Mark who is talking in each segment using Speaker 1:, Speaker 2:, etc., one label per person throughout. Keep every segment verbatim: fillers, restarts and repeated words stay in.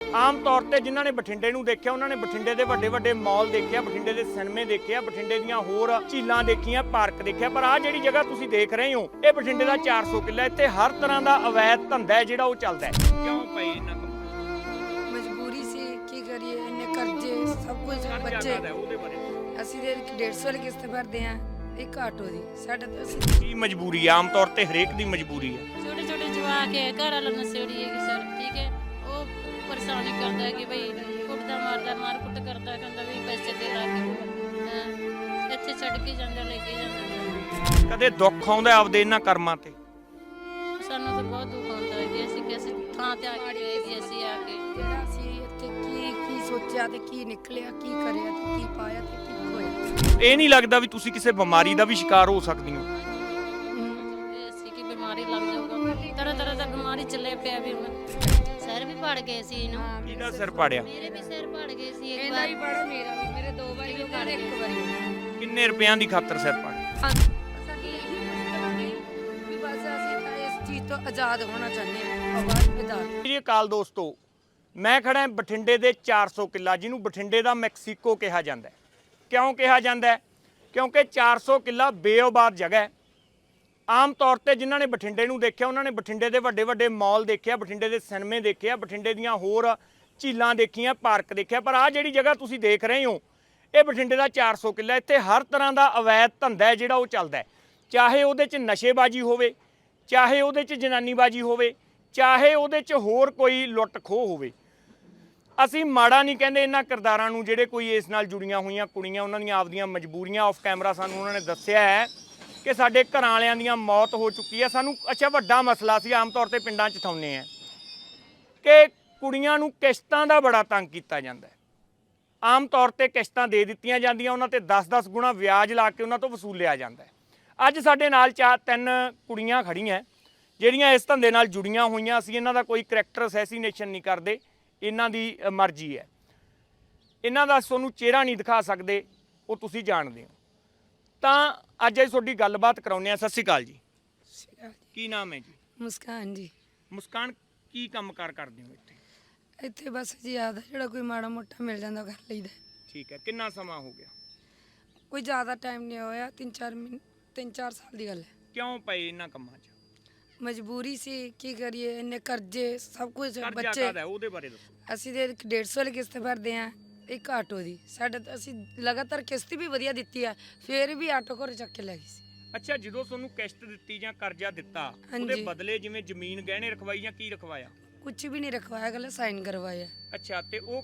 Speaker 1: ਆਮ ਤੌਰ ਤੇ ਜਿਨ੍ਹਾਂ ਨੇ ਬਠਿੰਡੇ ਨੂੰ ਦੇਖਿਆ ਉਹਨਾਂ ਨੇ ਬਠਿੰਡੇ ਦੇ ਵੱਡੇ ਵੱਡੇ ਮਾਲ ਦੇਖਿਆ, ਬਠਿੰਡੇ ਦੇ ਸਿਨੇਮੇ ਦੇਖਿਆ, ਬਠਿੰਡੇ ਦੀਆਂ ਹੋਰ ਝੀਲਾਂ ਦੇਖੀਆਂ, ਪਾਰਕ ਦੇਖਿਆ। ਪਰ ਆਹ ਜਿਹੜੀ ਜਗ੍ਹਾ ਤੁਸੀਂ ਦੇਖ ਰਹੇ ਹੋ ਇਹ ਬਠਿੰਡੇ ਦਾ ਚਾਰ ਸੌ ਕਿੱਲਾ। ਇੱਥੇ ਹਰ ਤਰ੍ਹਾਂ ਦਾ ਅਵੈਧ ਧੰਦਾ ਹੈ ਜਿਹੜਾ ਉਹ ਚੱਲਦਾ ਹੈ। ਕਿਉਂ ਪਈ ਇਹਨਾਂ ਕੋਲ?
Speaker 2: ਮਜਬੂਰੀ ਸੀ, ਕੀ ਕਰੀਏ, ਇੰਨੇ ਕਰਜ਼ੇ ਸਭ ਕੁਝ ਬੱਚੇ।
Speaker 1: ਉਹਦੇ ਬਾਰੇ
Speaker 2: ਅਸੀਂ ਦੇ ਡੇਢ ਸੌ ਵਾਲੀ ਕਿਸ਼ਤ ਭਰਦੇ ਆ, ਇੱਕ ਆਟੋ ਦੀ। ਸਾਡਾ ਤਾਂ ਅਸੀਂ
Speaker 1: ਕੀ ਮਜਬੂਰੀ ਆ? ਆਮ ਤੌਰ ਤੇ ਹਰੇਕ ਦੀ ਮਜਬੂਰੀ ਹੈ।
Speaker 3: ਛੋਟੇ ਛੋਟੇ ਜਵਾਕ ਹੈ, ਘਰ ਵਾਲਾ ਨਸ਼ੇੜੀ ਹੈ ਸਰ, ਠੀਕ ਹੈ। ਉਹ ਪਰੇਸ਼ਾਨੀ ਕਰਦਾ ਹੈ ਕਿ ਬਈ ਕੁੱਟਦਾ ਮਾਰਦਾ ਮਾਰ ਕੁੱਟ ਕਰਦਾ, ਕਹਿੰਦਾ ਵੀ ਪੈਸੇ ਦੇ ਲਾ ਕੇ ਇੱਥੇ ਛੱਡ ਕੇ ਜਾਂਦਾ, ਲੈ ਕੇ ਜਾਂਦਾ।
Speaker 1: ਕਦੇ ਦੁੱਖ ਆਉਂਦਾ ਆਪਦੇ ਇਹਨਾਂ ਕਰਮਾਂ ਤੇ?
Speaker 3: ਸਾਨੂੰ ਤਾਂ ਬਹੁਤ ਦੁੱਖ ਆਉਂਦਾ ਹੈ ਕਿ ਅਸੀਂ ਕਿਸੇ ਥਾਂ ਤੇ ਆ ਕੇ ਗਏ ਕਿ ਅਸੀਂ ਆ ਕੇ
Speaker 2: ਜਿਹੜਾ ਅਸੀਂ ਇੱਥੇ ਕੀ ਕੀ ਸੋਚਿਆ ਤੇ ਕੀ ਨਿਕਲਿਆ, ਕੀ ਕਰਿਆ ਤੇ ਕੀ ਪਾਇਆ ਤੇ ਕੀ ਹੋਇਆ।
Speaker 1: ਇਹ ਨਹੀਂ ਲੱਗਦਾ ਵੀ ਤੁਸੀਂ ਕਿਸੇ ਬਿਮਾਰੀ ਦਾ ਵੀ ਸ਼ਿਕਾਰ ਹੋ ਸਕਦੀ ਹੋ?
Speaker 3: ਅਸੀਂ ਕੀ ਬਿਮਾਰੀ ਲੱਗ ਜਾਊਗਾ, ਤਰ੍ਹਾਂ ਤਰ੍ਹਾਂ ਦਾ ਬਿਮਾਰੀ ਚੱਲੇ ਪਿਆ ਵੀ ਹੁਣ। ਸਿਰ ਵੀ ਪੜ ਗਏ ਸੀ ਇਹਨੂੰ।
Speaker 1: ਕਿਹਦਾ ਸਿਰ ਪਾੜਿਆ?
Speaker 3: ਮੇਰੇ ਵੀ ਸਿਰ ਪੜ ਗਏ ਸੀ ਇੱਕ
Speaker 2: ਇਹਦਾ
Speaker 3: ਵਾਰ।
Speaker 2: ਵੀ ਪੜਾ, ਮੇਰਾ ਵੀ, ਮੇਰੇ ਦੋ ਵਾਰੀ ਹੋ ਗਏ, ਇੱਕ ਵਾਰੀ।
Speaker 1: ਕਿੰਨੇ ਰੁਪਿਆਂ ਦੀ ਖਾਤਰ ਸਿਰ ਪਾੜਿਆ?
Speaker 2: ਸਾਡੀ ਇਹੀ ਮੁਸ਼ਕਲ ਹੋ ਗਈ ਵੀ ਬਸ ਅਸੀਂ ਤਾਂ ਇਸ ਚੀਜ਼ ਤੋਂ ਆਜ਼ਾਦ ਹੋਣਾ ਚਾਹੁੰਦੇ ਹਾਂ, ਆਵਾਜ਼ ਵਿਦਾਰ।
Speaker 1: ਜੀ ਅਕਾਲ ਦੋਸਤੋ, ਮੈਂ ਖੜਾ ਹਾਂ ਬਠਿੰਡੇ ਦੇ ਚਾਰ ਸੌ ਕਿੱਲਾ, ਜਿਹਨੂੰ ਬਠਿੰਡੇ ਦਾ ਮੈਕਸੀਕੋ ਕਿਹਾ ਜਾਂਦਾ ਹੈ। ਕਿਉਂ ਕਿਹਾ ਜਾਂਦਾ ਹੈ? ਕਿਉਂਕਿ ਚਾਰ ਸੌ ਕਿੱਲਾ ਬੇਆਬਾਦ ਜਗ੍ਹਾ ਹੈ। ਆਮ ਤੌਰ ਤੇ ਜਿਨ੍ਹਾਂ ਨੇ ਬਠਿੰਡੇ ਨੂੰ ਦੇਖਿਆ ਉਹਨਾਂ ਨੇ ਬਠਿੰਡੇ ਦੇ ਵੱਡੇ ਵੱਡੇ ਮਾਲ ਦੇਖਿਆ, ਬਠਿੰਡੇ ਦੇ ਸਿਨੇਮੇ ਦੇਖਿਆ, ਬਠਿੰਡੇ ਦੀਆਂ ਹੋਰ ਝੀਲਾਂ ਦੇਖੀਆਂ, ਪਾਰਕ ਦੇਖਿਆ। ਪਰ ਆਹ ਜਿਹੜੀ ਜਗ੍ਹਾ ਤੁਸੀਂ ਦੇਖ ਰਹੇ ਹੋ ਇਹ ਬਠਿੰਡੇ ਦਾ ਚਾਰ ਸੌ ਕਿੱਲਾ। ਇੱਥੇ ਹਰ ਤਰ੍ਹਾਂ ਦਾ ਅਵੈਧ ਧੰਦਾ ਹੈ ਜਿਹੜਾ ਉਹ ਚੱਲਦਾ ਹੈ। ਚਾਹੇ ਉਹਦੇ 'ਚ ਨਸ਼ੇਬਾਜ਼ੀ ਹੋਵੇ, ਚਾਹੇ ਉਹਦੇ 'ਚ ਜਨਾਨੀਬਾਜ਼ੀ ਹੋਵੇ, ਚਾਹੇ ਉਹਦੇ 'ਚ ਹੋਰ ਕੋਈ ਲੁੱਟ ਖੋਹ ਹੋਵੇ। ਅਸੀਂ ਮਾੜਾ ਨਹੀਂ ਕਹਿੰਦੇ ਇਹਨਾਂ ਕਿਰਦਾਰਾਂ ਨੂੰ ਜਿਹੜੇ ਕੋਈ ਇਸ ਨਾਲ ਜੁੜੀਆਂ ਹੋਈਆਂ ਕੁੜੀਆਂ, ਉਹਨਾਂ ਦੀਆਂ ਆਪਦੀਆਂ ਮਜਬੂਰੀਆਂ ਆਫ ਕੈਮਰਾ ਸਾਨੂੰ ਉਹਨਾਂ ਨੇ ਦੱਸਿਆ ਹੈ ਕਿ ਸਾਡੇ ਘਰਾਂ ਵਾਲਿਆਂ ਦੀਆਂ ਮੌਤ ਹੋ ਚੁੱਕੀ ਹੈ। ਸਾਨੂੰ ਅੱਛਾ ਵੱਡਾ ਮਸਲਾ ਸੀ, ਆਮ ਤੌਰ ਤੇ ਪਿੰਡਾਂ 'ਚ ਥਾਉਂਦੇ ਆ ਕਿ ਕੁੜੀਆਂ ਨੂੰ ਕਿਸ਼ਤਾਂ ਦਾ ਬੜਾ ਤੰਗ ਕੀਤਾ ਜਾਂਦਾ ਹੈ। ਆਮ ਤੌਰ ਤੇ ਕਿਸ਼ਤਾਂ ਦੇ ਦਿੱਤੀਆਂ ਜਾਂਦੀਆਂ, ਉਹਨਾਂ ਤੇ ਦਸ ਦਸ ਗੁਣਾ ਵਿਆਜ ਲਾ ਕੇ ਉਹਨਾਂ ਤੋਂ ਵਸੂਲਿਆ ਜਾਂਦਾ ਹੈ। ਅੱਜ ਸਾਡੇ ਨਾਲ ਚਾਰ ਤਿੰਨ ਕੁੜੀਆਂ ਖੜੀਆਂ ਜਿਹੜੀਆਂ ਇਸ ਧੰਦੇ ਨਾਲ ਜੁੜੀਆਂ ਹੋਈਆਂ। ਅਸੀਂ ਇਹਨਾਂ ਦਾ ਕੋਈ ਕਰੈਕਟਰ ਅਸੈਸੀਨੇਸ਼ਨ ਨਹੀਂ ਕਰਦੇ, ਇਹਨਾਂ ਦੀ ਮਰਜ਼ੀ ਹੈ। ਇਹਨਾਂ ਦਾ ਤੁਹਾਨੂੰ ਚਿਹਰਾ ਨਹੀਂ ਦਿਖਾ ਸਕਦੇ, ਉਹ ਤੁਸੀਂ ਜਾਣਦੇ ਹੋ। ਤਾਂ ਅੱਜ ਅਸੀਂ ਤੁਹਾਡੀ ਗੱਲਬਾਤ ਕਰਾਉਂਦੇ ਹਾਂ। ਸਤਿ ਸ਼੍ਰੀ ਅਕਾਲ ਜੀ, ਕੀ ਨਾਮ ਹੈ ਜੀ?
Speaker 2: ਮੁਸਕਾਨ ਜੀ।
Speaker 1: ਮੁਸਕਾਨ, ਕੀ ਕੰਮਕਾਰ ਕਰਦੇ ਹੋ ਇੱਥੇ?
Speaker 2: ਇੱਥੇ ਬਸ ਜੀ ਆਦਾ ਜਿਹੜਾ ਕੋਈ ਮਾੜਾ ਮੋਟਾ ਮਿਲ ਜਾਂਦਾ ਕਰ ਲਈਦਾ।
Speaker 1: ਠੀਕ ਹੈ, ਕਿੰਨਾ ਸਮਾਂ ਹੋ ਗਿਆ?
Speaker 2: ਕੋਈ ਜ਼ਿਆਦਾ ਟਾਈਮ ਨਹੀਂ ਹੋਇਆ, ਤਿੰਨ ਚਾਰ ਮਹੀਨੇ ਤਿੰਨ ਚਾਰ ਸਾਲ ਦੀ ਗੱਲ ਹੈ।
Speaker 1: ਕਿਉਂ ਪਏ ਇਹਨਾਂ ਕੰਮਾਂ 'ਚ?
Speaker 2: ਮਜਬੂਰੀ ਸੀ, ਕੀ ਕਰੀਏ, ਇੰਨੇ ਕਰਜ਼ੇ ਸਭ ਕੁਝ
Speaker 1: ਕਰਜ਼ਾ
Speaker 2: ਬੱਚੇ।
Speaker 1: ਕਾਹਦਾ ਹੈ ਉਹਦੇ ਬਾਰੇ ਦੱਸੋ।
Speaker 2: ਅਸੀਂ ਦੇ ਡੇਢ ਸੌ ਵਾਲੀ ਕਿਸ਼ਤ ਭਰਦੇ ਆ, ਇੱਕ ਆਟੋ ਦੀ। ਸਾਡਾ ਤਾਂ ਅਸੀਂ ਲਗਾਤਾਰ ਕਿਸ਼ਤ ਵੀ ਵਧੀਆ ਦਿੱਤੀ ਆ, ਫਿਰ ਵੀ ਆਟੋ ਘਰ ਚੱਕ ਕੇ ਲੈ ਗਈ ਸੀ।
Speaker 1: ਅੱਛਾ, ਜਦੋਂ ਤੁਹਾਨੂੰ ਕਿਸ਼ਤ ਦਿੱਤੀ ਜਾਂ ਕਰਜ਼ਾ ਦਿੱਤਾ ਉਹਦੇ
Speaker 2: ਹਾਂਜੀ।
Speaker 1: ਬਦਲੇ ਜਿਵੇਂ ਜ਼ਮੀਨ ਗਹਿਣੇ ਰਖਵਾਈ ਜਾਂ ਕੀ ਰਖਵਾਇਆ?
Speaker 2: ਕੁਝ ਵੀ ਨਹੀਂ ਰਖਵਾਇਆ, ਗੱਲ ਸਾਈਨ ਕਰਵਾਇਆ।
Speaker 1: ਅੱਛਾ, ਤੇ ਉਹ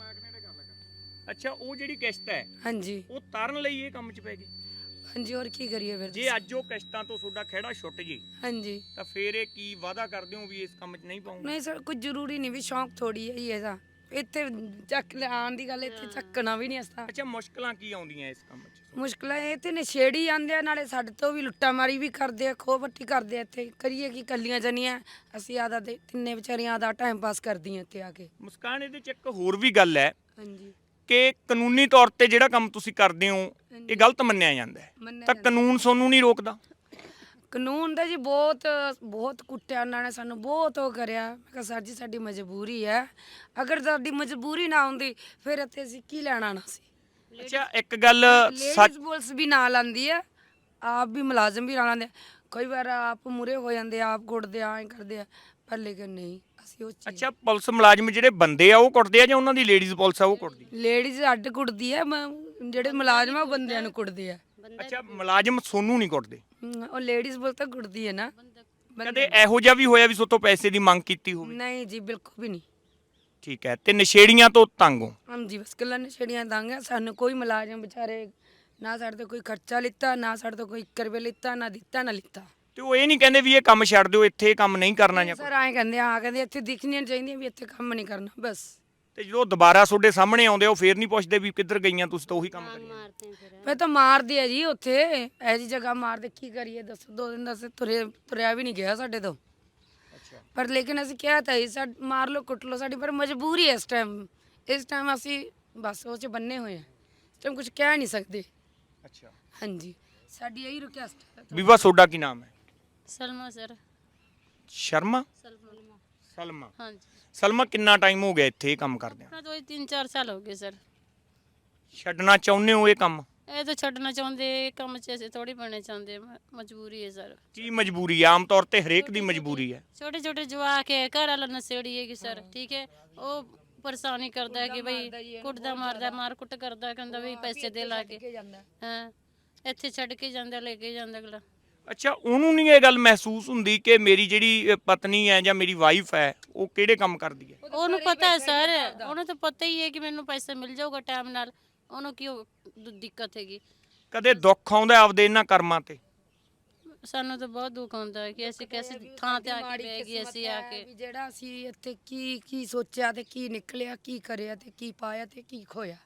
Speaker 1: ਅੱਛਾ ਉਹ ਜਿਹੜੀ ਕਿਸ਼ਤ ਹੈ
Speaker 2: ਹਾਂਜੀ
Speaker 1: ਉਹ ਤਾਰਨ ਲਈ ਇਹ ਕੰਮ 'ਚ ਪੈ ਗਈ?
Speaker 2: ਹਾਂਜੀ, ਹੋਰ ਕੀ ਕਰੀਏ ਫਿਰ।
Speaker 1: ਜੇ ਅੱਜ ਉਹ ਕਿਸ਼ਤਾਂ ਤੋਂ ਤੁਹਾਡਾ ਖਹਿੜਾ ਛੁੱਟ ਜੇ
Speaker 2: ਹਾਂਜੀ,
Speaker 1: ਤਾਂ ਫਿਰ ਇਹ ਕੀ ਵਾਅਦਾ ਕਰਦੇ ਹੋ ਵੀ ਇਸ ਕੰਮ 'ਚ ਨਹੀਂ ਪਾਉਂਗੇ?
Speaker 2: ਨਹੀਂ ਸਰ, ਕੁਝ ਜ਼ਰੂਰੀ ਨਹੀਂ ਵੀ ਸ਼ੌਂਕ ਥੋੜੀ ਹੈ ਹੀ ਇਹਦਾ। ਇੱਥੇ ਚੱਕ ਲਿਆਉਣ ਦੀ ਗੱਲ, ਇੱਥੇ ਚੱਕਣਾ ਵੀ ਨਹੀਂ ਅਸਤਾ।
Speaker 1: ਅੱਛਾ, ਮੁਸ਼ਕਲਾਂ ਕੀ ਆਉਂਦੀਆਂ ਇਸ ਕੰਮ 'ਚ?
Speaker 2: ਮੁਸ਼ਕਲਾਂ ਇਹ ਤੇ ਨਸ਼ੇੜੀ ਆਂਦੇ ਆ, ਨਾਲੇ ਸਾਡੇ ਤੋਂ ਵੀ ਲੁੱਟਾ ਮਾਰੀ ਵੀ ਕਰਦੇ ਆ, ਖੋਹ ਪੱਟੀ ਕਰਦੇ ਆ। ਇੱਥੇ ਕਰੀਏ ਕੀ, ਕੱਲੀਆਂ ਜਨੀਆਂ ਅਸੀਂ ਆਦਾ ਦੇ ਤਿੰਨੇ ਵਿਚਾਰੀਆਂ ਦਾ ਟਾਈਮ ਪਾਸ ਕਰਦੀਆਂ ਇੱਥੇ ਆ ਕੇ।
Speaker 1: ਮੁਸਕਾਨ, ਇਹਦੇ 'ਚ ਇੱਕ ਹੋਰ ਵੀ ਗੱਲ ਹੈ
Speaker 2: ਹਾਂਜੀ,
Speaker 1: ਕਿ ਕਾਨੂੰਨੀ ਤੌਰ ਤੇ ਜਿਹੜਾ ਕੰਮ ਤੁਸੀਂ ਕਰਦੇ ਹੋ ਇਹ ਗਲਤ ਮੰਨਿਆ ਜਾਂਦਾ ਹੈ,
Speaker 2: ਮੰਨਿਆ
Speaker 1: ਤਾਂ
Speaker 2: ਜਾਂਦਾ।
Speaker 1: ਕਾਨੂੰਨ ਤੁਹਾਨੂੰ ਨਹੀਂ ਰੋਕਦਾ?
Speaker 2: ਕਾਨੂੰਨ ਦਾ ਜੀ ਬਹੁਤ ਬਹੁਤ ਕੁੱਟਿਆ ਉਹਨਾਂ ਨੇ ਸਾਨੂੰ, ਬਹੁਤ ਉਹ ਕਰਿਆ। ਮੈਂ ਕਿਹਾ ਸਰ ਜੀ ਸਾਡੀ ਮਜਬੂਰੀ ਹੈ, ਅਗਰ ਸਾਡੀ ਮਜਬੂਰੀ ਨਾ ਹੁੰਦੀ ਫਿਰ ਇੱਥੇ ਅਸੀਂ ਕੀ ਲੈਣਾ ਨਾ ਸੀ।
Speaker 1: ਅੱਛਾ, ਇੱਕ ਗੱਲ ਸੱਚ,
Speaker 2: ਲੇਡੀਜ਼ ਪੁਲਿਸ ਵੀ ਨਾਲ ਆਉਂਦੀ ਹੈ, ਆਪ ਵੀ ਮੁਲਾਜ਼ਮ ਵੀ ਨਾਲ ਆਉਂਦੇ ਆ। ਕਈ ਵਾਰ ਆਪ ਮੂਰੇ ਹੋ ਜਾਂਦੇ ਆ, ਆਪ ਕੁੱਟਦੇ ਆ, ਐਂ ਕਰਦੇ ਆ, ਪਰ ਲੇਕਿਨ ਨਹੀਂ ਅਸੀਂ ਉਹ ਚੀਜ਼।
Speaker 1: ਅੱਛਾ, ਪੁਲਿਸ ਮੁਲਾਜ਼ਮ ਜਿਹੜੇ ਬੰਦੇ ਆ ਉਹ ਕੁੱਟਦੇ ਆ ਜਾਂ ਉਹਨਾਂ ਦੀ ਲੇਡੀਜ਼ ਪੁਲਿਸ ਆ ਉਹ ਕੁੱਟਦੀ?
Speaker 2: ਲੇਡੀਜ਼ ਅੱਡ ਕੁੱਟਦੀ ਹੈ, ਮ- ਜਿਹੜੇ ਮੁਲਾਜ਼ਮ ਆ ਉਹ ਬੰਦਿਆਂ ਨੂੰ ਕੁੱਟਦੇ ਆ।
Speaker 1: ਅੱਛਾ, ਮੁਲਾਜ਼ਮ ਸੋਨੂੰ ਨਹੀਂ ਕੁੱਟਦੇ?
Speaker 2: ਹਮ, ਉਹ ਲੇਡੀਜ਼ ਪੁਲਿਸ ਤਾਂ ਕੁੱਟਦੀ ਹੈ ਨਾ।
Speaker 1: ਕਦੇ ਇਹੋ ਜਿਹਾ ਵੀ ਹੋਇਆ ਵੀ ਸੋਤੋਂ ਪੈਸੇ ਦੀ ਮੰਗ ਕੀਤੀ ਹੋਵੇ?
Speaker 2: ਨਹੀਂ ਜੀ, ਬਿਲਕੁਲ ਵੀ ਨਹੀਂ।
Speaker 1: ਠੀਕ ਹੈ, ਤੇ ਨਸ਼ੇੜੀਆਂ ਤੋਂ ਤੰਗ ਹੋ?
Speaker 2: ਹਾਂਜੀ, ਬਸ ਗੱਲਾਂ ਨਸ਼ੇੜੀਆਂ ਤੰਗ ਆ ਸਾਨੂੰ। ਕੋਈ ਮੁਲਾਜ਼ਮ ਵਿਚਾਰੇ ਨਾ ਸਾਡੇ ਤੋਂ ਕੋਈ ਖਰਚਾ ਲਿੱਤਾ, ਨਾ ਸਾਡੇ ਤੋਂ ਕੋਈ ਇੱਕ ਰੁਪਏ ਲਿੱਤਾ, ਨਾ ਦਿੱਤਾ ਨਾ ਲਿੱਤਾ।
Speaker 1: ਤੇ ਉਹ ਇਹ ਨਹੀਂ ਕਹਿੰਦੇ ਵੀ ਇਹ ਕੰਮ ਛੱਡ ਦਿਓ, ਇੱਥੇ ਇਹ ਕੰਮ ਨਹੀਂ ਕਰਨਾ ਜਾਂ?
Speaker 2: ਸਰ ਐਂ ਕਹਿੰਦੇ ਆ, ਕਹਿੰਦੇ ਇੱਥੇ ਦਿਖਣੀਆਂ ਚਾਹੀਦੀਆਂ ਵੀ ਇੱਥੇ ਕੰਮ ਨਹੀਂ ਕਰਨਾ ਬਸ।
Speaker 1: ਤੇ ਜਦੋਂ ਦੁਬਾਰਾ ਤੁਹਾਡੇ ਸਾਹਮਣੇ ਆਉਂਦੇ ਉਹ ਫੇਰ ਨਹੀਂ ਪੁੱਛਦੇ ਵੀ ਕਿੱਧਰ ਗਈਆਂ ਤੁਸੀਂ, ਤਾਂ ਉਹੀ ਕੰਮ ਕਰੀ?
Speaker 3: ਮਾਰਤੇ ਫਿਰ
Speaker 2: ਮੈਂ ਤਾਂ ਮਾਰਦੀ ਆ ਜੀ ਉੱਥੇ, ਇਹੋ ਜਿਹੀ ਜਗ੍ਹਾ ਮਾਰਦੇ, ਕੀ ਕਰੀਏ ਦੱਸੋ। ਦੋ ਦਿਨ ਦਾ ਅਸੀਂ ਤੁਰੇ ਤੁਰਿਆ ਵੀ ਨਹੀਂ ਗਿਆ ਸਾਡੇ ਤੋਂ।
Speaker 1: ਅੱਛਾ,
Speaker 2: ਪਰ ਲੇਕਿਨ ਅਸੀਂ ਕਿਹਾ ਤਾਂ ਸੀ ਸਾ ਮਾਰ ਲਓ ਕੁੱਟ ਲਓ, ਸਾਡੀ ਪਰ ਮਜਬੂਰੀ ਹੈ ਇਸ ਟਾਈਮ। ਇਸ ਟਾਈਮ ਅਸੀਂ ਬਸ ਉਹ 'ਚ ਬੰਨੇ ਹੋਏ ਆ, ਇਸ ਟਾਈਮ ਕੁਝ ਕਹਿ ਨਹੀਂ ਸਕਦੇ।
Speaker 1: ਅੱਛਾ,
Speaker 2: ਹਾਂਜੀ, ਸਾਡੀ ਇਹੀ ਰਿਕੁਐਸਟ ਹੈ।
Speaker 1: ਬੀਬਾ ਤੁਹਾਡਾ ਕੀ ਨਾਮ ਹੈ?
Speaker 3: ਸਲਮਾ ਸਰ।
Speaker 1: ਸ਼ਰਮਾ?
Speaker 3: ਸਲਮਾ
Speaker 1: ਸਲਮਾ
Speaker 3: ਹਾਂਜੀ
Speaker 1: ਸਲਮਾ ਕਿੰਨਾ ਟਾਈਮ ਹੋ ਗਿਆ ਇੱਥੇ ਇਹ ਕੰਮ ਕਰਦੇ ਆ?
Speaker 3: ਆਪਣਾ ਤੋਂ ਤਿੰਨ ਚਾਰ ਸਾਲ ਹੋ ਗਏ ਸਰ।
Speaker 1: ਛੱਡਣਾ ਚਾਹੁੰਦੇ ਹੋ ਇਹ ਕੰਮ?
Speaker 3: ਇਹ ਤਾਂ ਛੱਡਣਾ ਚਾਹੁੰਦੇ, ਇਹ ਕੰਮ 'ਚ ਅਸੀਂ ਥੋੜੀ ਬਣਨਾ ਚਾਹੁੰਦੇ, ਮ- ਮਜਬੂਰੀ ਹੈ ਸਰ।
Speaker 1: ਕੀ ਮਜਬੂਰੀ ਆ? ਆਮ ਤੌਰ ਤੇ ਹਰੇਕ ਦੀ ਮਜਬੂਰੀ ਹੈ।
Speaker 3: ਛੋਟੇ ਛੋਟੇ ਜਵਾਕ ਹੈ, ਘਰ ਵਾਲਾ ਨਸ਼ੇੜੀ ਹੈ ਕਿ ਸਰ, ਠੀਕ ਹੈ, ਉਹ ਪਰੇਸ਼ਾਨੀ ਕਰਦਾ ਹੈ ਕਿ ਬਈ ਕੁੱਟਦਾ ਮਾਰਦਾ, ਮਾਰ ਕੁੱਟ ਕਰਦਾ, ਕਹਿੰਦਾ ਵੀ ਪੈਸੇ ਦੇ ਲਾ ਕੇ, ਹਾਂ ਇੱਥੇ ਛੱਡ ਕੇ ਜਾਂਦਾ, ਲੈ ਕੇ ਜਾਂਦਾ ਅਗਲਾ।
Speaker 1: ਅੱਛਾ, ਉਹਨੂੰ ਨਹੀਂ ਇਹ ਗੱਲ ਮਹਿਸੂਸ ਹੁੰਦੀ ਕਿ ਮੇਰੀ ਜਿਹੜੀ ਅ, ਪਤਨੀ ਹੈ ਜਾਂ ਮੇਰੀ ਵਾਈਫ ਹੈ ਉਹ ਕਿਹੜੇ ਕੰਮ ਕਰਦੀ ਹੈ?
Speaker 3: ਉਹਨੂੰ ਪਤਾ ਹੈ ਸਰ, ਉਹਨੂੰ ਤਾਂ ਪਤਾ ਹੀ ਹੈ ਕਿ ਮੈਨੂੰ ਪੈਸਾ ਮਿਲ ਜਾਊਗਾ ਟਾਈਮ ਨਾਲ, ਉਹਨੂੰ ਕਿਉਂ ਦੁ- ਦਿੱਕਤ ਹੈਗੀ।
Speaker 1: ਕਦੇ ਦੁੱਖ ਆਉਂਦਾ ਆਪਦੇ ਇਹਨਾਂ ਕਰਮਾਂ ਤੇ?
Speaker 3: ਸਾਨੂੰ ਤਾਂ ਬਹੁਤ ਦੁੱਖ ਹੁੰਦਾ ਹੈ ਕਿ ਅਸੀਂ ਕਿਸੇ ਥਾਂ ਤੇ ਆ ਕੇ ਬਹਿ ਗਏ, ਅਸੀਂ ਆ ਕੇ
Speaker 2: ਵੀ ਜਿਹੜਾ ਅਸੀਂ ਇੱਥੇ ਕੀ ਕੀ ਸੋਚਿਆ ਤੇ ਕੀ ਨਿਕਲਿਆ, ਕੀ ਕਰਿਆ ਤੇ ਕੀ ਪਾਇਆ ਤੇ ਕੀ ਖੋਇਆ।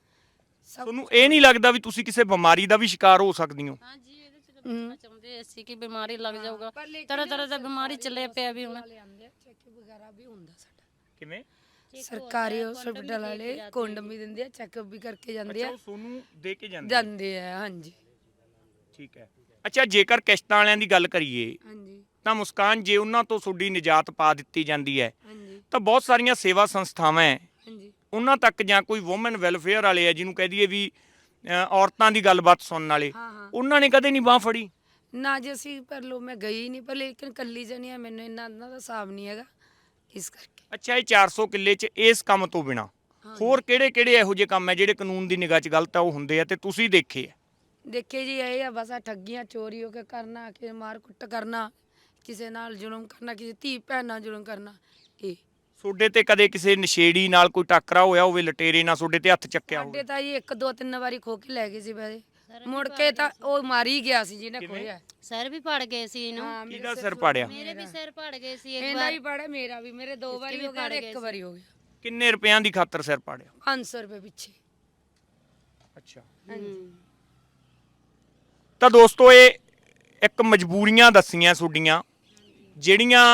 Speaker 2: ਸਭ
Speaker 1: ਤੁਹਾਨੂੰ ਇਹ ਨਹੀਂ ਲੱਗਦਾ ਵੀ ਤੁਸੀਂ ਕਿਸੇ ਬਿਮਾਰੀ ਦਾ ਵੀ ਸ਼ਿਕਾਰ ਹੋ ਸਕਦੀ ਹੋ?
Speaker 3: ਹਾਂਜੀ ਇਹਦੇ ਚ ਤਾਂ ਬਚਣਾ ਚਾਹੁੰਦੇ ਅਸੀਂ ਕਿ ਬਿਮਾਰੀ ਲੱਗ ਜਾਊਗਾ, ਤਰ੍ਹਾਂ ਤਰ੍ਹਾਂ ਦਾ ਬਿਮਾਰੀ ਚੱਲੇ ਪਿਆ ਵੀ ਹੁਣ।
Speaker 2: ਚੈੱਕ ਵਗੈਰਾ ਵੀ ਹੁੰਦਾ ਸਾਡਾ,
Speaker 1: ਕਿਵੇਂ?
Speaker 2: ਸਰਕਾਰੀ ਹਸਪਤਾਲ ਵਾਲੇ ਕੋਂਡਮ ਵੀ ਦਿੰਦੇ ਆ, ਚੈੱਕਅਪ ਵੀ ਕਰਕੇ ਜਾਂਦੇ
Speaker 1: ਅੱਛਾ,
Speaker 2: ਆ
Speaker 1: ਉਹ ਤੁਹਾਨੂੰ ਦੇ ਕੇ ਜਾਂਦੇ ਆ।
Speaker 2: ਜਾਂਦੇ ਆ। ਹਾਂਜੀ
Speaker 1: ਠੀਕ ਹੈ। ਅੱਛਾ, ਜੇਕਰ ਕਿਸ਼ਤਾਂ ਵਾਲਿਆਂ ਦੀ ਗੱਲ ਕਰੀਏ
Speaker 2: ਹਾਂਜੀ
Speaker 1: ਤਾਂ ਮੁਸਕਾਨ, ਜੇ ਉਹਨਾਂ ਤੋਂ ਤੁਹਾਡੀ ਨਿਜਾਤ ਪਾ ਦਿੱਤੀ ਜਾਂਦੀ ਹੈ
Speaker 2: ਹਾਂਜੀ
Speaker 1: ਤਾਂ ਬਹੁਤ ਸਾਰੀਆਂ ਸੇਵਾ ਸੰਸਥਾਵਾਂ ਹੈ
Speaker 2: ਹਾਂਜੀ
Speaker 1: ਉਹਨਾਂ ਤੱਕ, ਜਾਂ ਕੋਈ ਵੂਮਨ ਵੈਲਫੇਅਰ ਵਾਲੇ ਆ ਜਿਹਨੂੰ ਕਹਿ ਦਈਏ ਵੀ ਅ, ਔਰਤਾਂ ਦੀ ਗੱਲਬਾਤ ਸੁਣਨ ਵਾਲੇ,
Speaker 2: ਹਾਂ ਹਾਂ
Speaker 1: ਉਹਨਾਂ ਨੇ ਕਦੇ ਨਹੀਂ ਬਾਹ ਫੜੀ?
Speaker 2: ਨਾ ਜੀ ਅਸੀਂ ਪਰ ਲੋ ਮੈਂ ਗਈ ਨਹੀਂ, ਪਰ ਲੇਕਿਨ ਕੱਲੀ ਜਣੀ ਆ, ਮੈਨੂੰ ਇੰਨਾ ਇਹਨਾਂ ਦਾ ਹਿਸਾਬ ਨਹੀਂ ਹੈਗਾ ਇਸ ਕਰਕੇ।
Speaker 1: ਅੱਛਾ, ਇਹ ਚਾਰ ਸੌ ਕਿੱਲੇ 'ਚ ਇਸ ਕੰਮ ਤੋਂ ਬਿਨਾ ਹੋਰ ਕਿਹੜੇ ਕਿਹੜੇ ਇਹੋ ਜਿਹੇ ਕੰਮ ਹੈ ਜਿਹੜੇ ਕਾਨੂੰਨ ਦੀ ਨਿਗਾਹ 'ਚ ਗਲਤ ਆ ਉਹ ਹੁੰਦੇ ਆ ਤੇ ਤੁਸੀਂ ਦੇਖੇ ਆ?
Speaker 2: ਦੇਖੇ ਜੀ ਇਹ ਆ ਬਸ ਆ ਠੱਗੀਆਂ ਚੋਰੀ ਹੋ ਕੇ ਕਰਨਾ, ਕਿ ਮਾਰ ਕੁੱਟ ਕਰਨਾ, ਕਿਸੇ ਨਾਲ ਜ਼ੁਲਮ ਕਰਨਾ, ਕਿਸੇ ਧੀ ਭੈਣ ਨਾਲ ਜ਼ੁਲਮ ਕਰਨਾ। ਇਹ
Speaker 1: ਤੁਹਾਡੇ ਤੇ ਕਦੇ ਕਿਸੇ ਨਸ਼ੇੜੀ ਨਾਲ ਕੋਈ ਟੱਕਰਾ ਹੋਇਆ ਹੋਵੇ, ਲਟੇਰੇ ਨਾਲ ਤੁਹਾਡੇ ਤੇ ਹੱਥ ਚੱਕਿਆ ਹੋਵੇ?
Speaker 2: ਸਾਡੇ ਤਾਂ ਜੀ ਇੱਕ ਦੋ ਤਿੰਨ ਵਾਰੀ ਖੋ ਕੇ ਲੈ ਗਏ ਸੀ ਪੈਸੇ, ਮੁੜ ਕੇ ਤਾਂ ਉਹ ਮਾਰੀ ਗਿਆ ਸੀ ਜਿਹਨੇ ਖੋਇਆ।
Speaker 3: ਸਰ ਵੀ ਪੜ ਗਏ ਸੀ ਇਹਨੂੰ,
Speaker 2: ਹਾਂ ਮੇਰੇ
Speaker 1: ਕਿਹਦਾ ਸਿਰ ਪਾੜਿਆ?
Speaker 3: ਮੇਰੇ ਵੀ ਸਿਰ ਪੜ ਗਏ ਸੀ ਇੱਕ
Speaker 2: ਇਹਦਾ
Speaker 3: ਵਾਰ।
Speaker 2: ਵੀ ਪੜਾ, ਮੇਰਾ ਵੀ, ਮੇਰੇ ਦੋ ਵਾਰੀ ਹੋ ਗਿਆ ਤੇ ਇੱਕ ਵਾਰੀ ਹੋ ਗਿਆ।
Speaker 1: ਕਿੰਨੇ ਰੁਪਿਆਂ ਦੀ ਖਾਤਰ ਸਿਰ ਪਾੜਿਆ?
Speaker 2: ਪੰਜ ਸੌ ਰੁਪਏ ਪਿੱਛੇ।
Speaker 1: ਅੱਛਾ,
Speaker 2: ਹਾਂਜੀ
Speaker 1: ਤਾਂ ਦੋਸਤੋ ਇਹ ਇੱਕ ਮਜਬੂਰੀਆਂ ਦੱਸੀਆਂ ਤੁਹਾਡੀਆਂ ਜਿਹੜੀਆਂ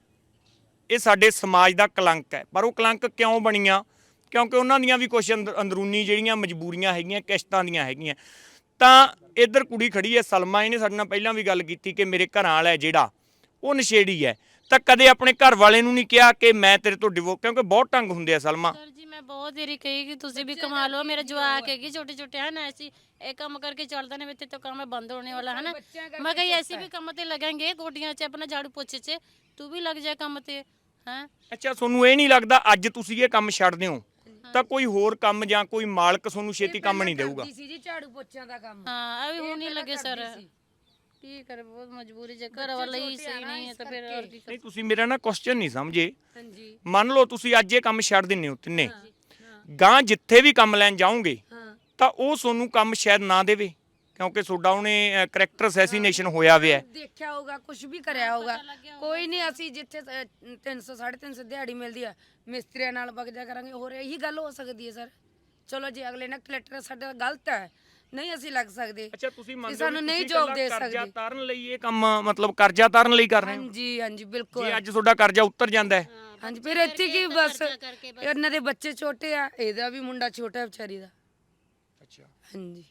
Speaker 1: ਇਹ ਸਾਡੇ ਸਮਾਜ ਦਾ ਕਲੰਕ ਹੈ। ਪਰ ਉਹ ਕਲੰਕ ਕਿਉਂ ਬਣੀਆਂ? ਕਿਉਂਕਿ ਉਹਨਾਂ ਦੀਆਂ ਵੀ ਕੁਝ ਅੰਦਰੂਨੀ ਜਿਹੜੀਆਂ ਮਜਬੂਰੀਆਂ ਹੈਗੀਆਂ, ਕਿਸ਼ਤਾਂ ਦੀਆਂ ਹੈਗੀਆਂ। ਤਾਂ ਇੱਧਰ ਕੁੜੀ ਖੜੀ ਹੈ ਸਲਮਾ, ਇਹਨੇ ਸਾਡੇ ਨਾਲ ਪਹਿਲਾਂ ਵੀ ਗੱਲ ਕੀਤੀ ਕਿ ਮੇਰੇ ਘਰਾਂ ਵਾਲਾ ਜਿਹੜਾ ਉਹ ਨਸ਼ੇੜੀ ਹੈ, ਤਾਂ ਕਦੇ ਆਪਣੇ ਘਰ ਵਾਲੇ ਨੂੰ ਨਹੀਂ ਕਿਹਾ ਕਿ ਮੈਂ ਤੇਰੇ ਤੋਂ ਡਿਵੋ, ਕਿਉਂਕਿ ਬਹੁਤ ਢੰਗ ਹੁੰਦੇ ਆ ਸਲਮਾ।
Speaker 3: ਸਰ ਜੀ ਮੈਂ ਬਹੁਤ ਦੇਰੀ ਕਹੀ ਕਿ ਤੁਸੀਂ ਵੀ ਕਮਾ ਲਓ, ਮੇਰੇ ਜਵਾਕ ਹੈਗੇ ਛੋਟੇ ਛੋਟੇ ਹਨ, ऐसी ਇਹ ਕੰਮ ਕਰਕੇ ਚੱਲਦਾ ਨੇ, ਇੱਥੇ तो काम है बंद होने वाला है ना। मैं कही ऐसे भी काम ते लगेंगे, गोडियां च अपना झाड़ू पोछे च तू भी लग जाए काम ते, हैं।
Speaker 1: ਅੱਛਾ, ਤੁਹਾਨੂੰ ਇਹ ਨਹੀਂ ਲੱਗਦਾ ਅੱਜ ਤੁਸੀਂ ਇਹ ਕੰਮ ਛੱਡਦੇ ਹੋ ਤਾਂ ਕੋਈ ਹੋਰ ਕੰਮ ਜਾਂ ਕੋਈ ਮਾਲਕ ਤੁਹਾਨੂੰ ਛੇਤੀ ਕੰਮ ਨਹੀਂ ਦੇਊਗਾ?
Speaker 2: ਕਰਦੀ ਸੀ ਜੀ ਝਾੜੂ ਪੋਚਿਆਂ ਦਾ ਕੰਮ।
Speaker 3: हाँ अभी होने
Speaker 2: ਪਹਿਲਾਂ
Speaker 3: लगे सर,
Speaker 2: ਕਰਦੀ ਸੀ।
Speaker 3: की करे बहुत मजबूरी जे घर वाला ही सही नहीं है तो फिर और की
Speaker 1: ਨਹੀਂ, ਤੁਸੀਂ ਮੇਰਾ ਨਾ ਕੁਐਸਚਨ ਨਹੀਂ ਸਮਝੇ।
Speaker 2: ਹਾਂਜੀ
Speaker 1: ਮੰਨ ਲਓ ਤੁਸੀਂ ਅੱਜ ਇਹ ਕੰਮ ਛੱਡ ਦਿੰਦੇ ਹੋ ਤਿੰਨੇ, ਗਾਂ ਜਿੱਥੇ ਵੀ ਕੰਮ ਲੈਣ ਜਾਓਗੇ
Speaker 2: ਹਾਂ
Speaker 1: ਤਾਂ ਉਹ ਤੁਹਾਨੂੰ ਕੰਮ ਸ਼ਾਇਦ ਨਾ ਦੇਵੇ, ਕਿਉਂਕਿ ਤੁਹਾਡਾ ਉਹਨੇ ਕਰੈਕਟਰ ਅਸੈਸੀਨੇਸ਼ਨ ਹੋਇਆ ਹੋਇਆ ਹੈ।
Speaker 2: ਦੇਖਿਆ ਹੋਊਗਾ, ਕੁਝ ਵੀ ਕਰਿਆ ਹੋਊਗਾ। ਕੋਈ ਨਹੀਂ, ਅਸੀਂ ਜਿੱਥੇ ਤਿੰਨ ਸੌ ਸਾਢੇ ਤਿੰਨ ਸੌ ਦਿਹਾੜੀ ਮਿਲਦੀ ਆ ਮਿਸਤਰੀਆਂ ਨਾਲ ਵਗ ਜਾ ਕਰਾਂਗੇ। ਹੋਰ ਇਹੀ ਗੱਲ ਹੋ ਸਕਦੀ ਹੈ ਸਰ? ਚਲੋ ਜੀ ਅਗਲੇ ਨਾਲ ਕਲੈਕਟਰ ਸਾਡਾ ਗਲਤ ਹੈ, ਨਹੀਂ ਅਸੀਂ ਲੱਗ ਸਕਦੇ।
Speaker 1: ਅੱਛਾ, ਤੁਸੀਂ ਮੰਨਦੇ ਹੋ
Speaker 2: ਸਾਨੂੰ
Speaker 1: ਵੀ
Speaker 2: ਨਹੀਂ
Speaker 1: ਤੁਸੀਂ
Speaker 2: ਜੋਬ
Speaker 1: ਇਕੱਲਾ
Speaker 2: ਦੇ
Speaker 1: ਕਰਜ਼ਾ
Speaker 2: ਸਕਦੇ।
Speaker 1: ਤਾਰਨ ਲਈ ਇਹ ਕੰਮ, ਮਤਲਬ ਕਰਜ਼ਾ ਤਾਰਨ ਲਈ ਕਰ ਰਹੇ ਹੋ?
Speaker 2: ਹਾਂਜੀ ਹਾਂਜੀ ਬਿਲਕੁਲ।
Speaker 1: ਜੇ ਅੱਜ ਤੁਹਾਡਾ ਕਰਜ਼ਾ ਉਤਰ ਜਾਂਦਾ ਹੈ
Speaker 2: ਹਾਂਜੀ ਫਿਰ ਇੱਥੇ ਕੀ ਬਸ ਇਹਨਾਂ ਦੇ ਬੱਚੇ ਛੋਟੇ ਆ, ਇਹਦਾ ਵੀ ਮੁੰਡਾ ਛੋਟਾ ਵਿਚਾਰੀ ਦਾ।
Speaker 1: ਅੱਛਾ,
Speaker 2: ਹਾਂਜੀ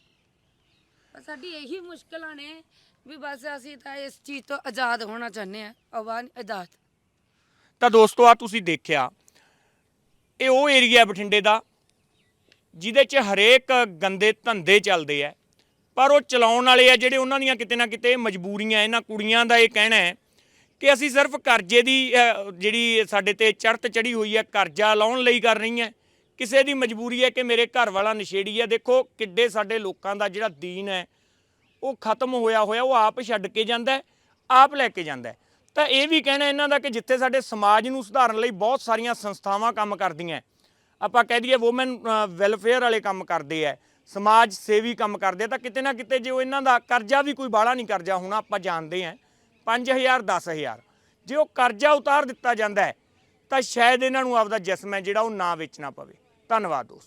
Speaker 2: ਬਸ ਸਾਡੀ ਇਹੀ ਮੁਸ਼ਕਲਾਂ ਨੇ ਵੀ ਬਸ ਅਸੀਂ ਤਾਂ ਇਸ ਚੀਜ਼ ਤੋਂ ਆਜ਼ਾਦ ਹੋਣਾ ਚਾਹੁੰਦੇ ਆ, ਆਵਾਜ਼ ਆਜ਼ਾਦ।
Speaker 1: ਤਾਂ ਦੋਸਤੋ ਆ ਤੁਸੀਂ ਦੇਖਿਆ, ਇਹ ਉਹ ਏਰੀਆ ਬਠਿੰਡੇ ਦਾ ਜਿਹਦੇ 'ਚ ਹਰੇਕ ਗੰਦੇ ਧੰਦੇ ਚੱਲਦੇ ਆ, ਪਰ ਉਹ ਚਲਾਉਣ ਵਾਲੇ ਆ ਜਿਹੜੇ ਉਹਨਾਂ ਦੀਆਂ ਕਿਤੇ ਨਾ ਕਿਤੇ ਮਜਬੂਰੀਆਂ। ਇਹਨਾਂ ਕੁੜੀਆਂ ਦਾ ਇਹ ਕਹਿਣਾ ਹੈ ਕਿ ਅਸੀਂ ਸਿਰਫ ਕਰਜ਼ੇ ਦੀ ਅ, ਜਿਹੜੀ ਸਾਡੇ ਤੇ ਚੜ੍ਹਤ ਚੜੀ ਹੋਈ ਹੈ, ਕਰਜ਼ਾ ਲਾਉਣ ਲਈ ਕਰ ਰਹੀ ਹੈ। ਕਿਸੇ ਦੀ ਮਜਬੂਰੀ ਹੈ ਕਿ ਮੇਰੇ ਘਰ ਵਾਲਾ ਨਸ਼ੇੜੀ ਹੈ। ਦੇਖੋ ਕਿੱਡੇ ਸਾਡੇ ਲੋਕਾਂ ਦਾ ਜਿਹੜਾ ਦੀਨ ਹੈ ਉਹ ਖਤਮ ਹੋਇਆ ਹੋਇਆ, ਉਹ ਆਪ ਛੱਡ ਕੇ ਜਾਂਦਾ ਹੈ, ਆਪ ਲੈ ਕੇ ਜਾਂਦਾ ਹੈ। ਤਾਂ ਇਹ ਵੀ ਕਹਿਣਾ ਇਹਨਾਂ ਦਾ ਕਿ ਜਿੱਥੇ ਸਾਡੇ ਸਮਾਜ ਨੂੰ ਸੁਧਾਰਨ ਲਈ ਬਹੁਤ ਸਾਰੀਆਂ ਸੰਸਥਾਵਾਂ ਕੰਮ ਕਰਦੀਆਂ, ਆਪਾਂ ਕਹਿ ਦਈਏ ਵੂਮਨ ਵੈਲਫੇਅਰ ਵਾਲੇ ਕੰਮ ਕਰਦੇ ਆ, ਸਮਾਜ ਸੇਵੀ ਕੰਮ ਕਰਦੇ ਆ, ਤਾਂ ਕਿਤੇ ਨਾ ਕਿਤੇ ਜੇ ਉਹ ਇਹਨਾਂ ਦਾ ਕਰਜ਼ਾ ਵੀ ਕੋਈ ਬਾਹਲਾ ਨਹੀਂ ਕਰਜ਼ਾ ਹੋਣਾ, ਆਪਾਂ ਜਾਣਦੇ ਹਾਂ ਪੰਜ ਹਜ਼ਾਰ ਦਸ ਹਜ਼ਾਰ, ਜੇ ਉਹ ਕਰਜ਼ਾ ਉਤਾਰ ਦਿੱਤਾ ਜਾਂਦਾ ਹੈ ਤਾਂ ਸ਼ਾਇਦ ਇਹਨਾਂ ਨੂੰ ਆਪਦਾ ਜਿਸਮ ਹੈ ਜਿਹੜਾ ਉਹ ਨਾ ਵੇਚਣਾ ਪਵੇ। ਧੰਨਵਾਦ ਦੋਸਤੋ।